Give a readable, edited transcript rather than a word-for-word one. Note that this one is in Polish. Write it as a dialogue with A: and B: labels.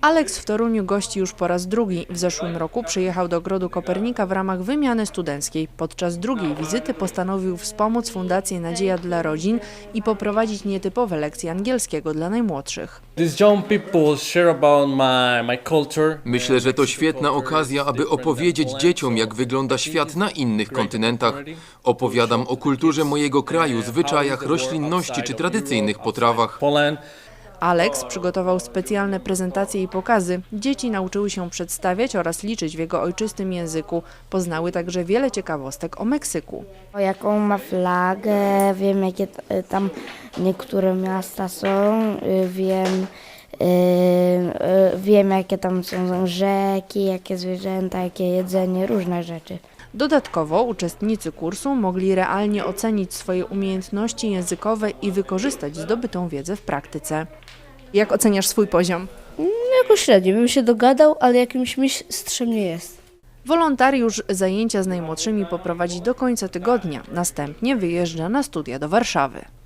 A: Aleks w Toruniu gości już po raz drugi. W zeszłym roku przyjechał do Ogrodu Kopernika w ramach wymiany studenckiej. Podczas drugiej wizyty postanowił wspomóc Fundację Nadzieja dla Rodzin i poprowadzić nietypowe lekcje angielskiego dla najmłodszych.
B: Myślę, że to świetna okazja, aby opowiedzieć dzieciom, jak wygląda świat na innych kontynentach. Opowiadam o kulturze mojego kraju, zwyczajach, roślinności czy tradycyjnych potrawach.
A: Aleks przygotował specjalne prezentacje i pokazy. Dzieci nauczyły się przedstawiać oraz liczyć w jego ojczystym języku. Poznały także wiele ciekawostek o Meksyku.
C: Jaką ma flagę, wiem jakie tam niektóre miasta są, wiem jakie tam są rzeki, jakie zwierzęta, jakie jedzenie, różne rzeczy.
A: Dodatkowo uczestnicy kursu mogli realnie ocenić swoje umiejętności językowe i wykorzystać zdobytą wiedzę w praktyce. Jak oceniasz swój poziom?
D: Jakoś średnio, bym się dogadał, ale jakimś mistrzem nie jest.
A: Wolontariusz zajęcia z najmłodszymi poprowadzi do końca tygodnia. Następnie wyjeżdża na studia do Warszawy.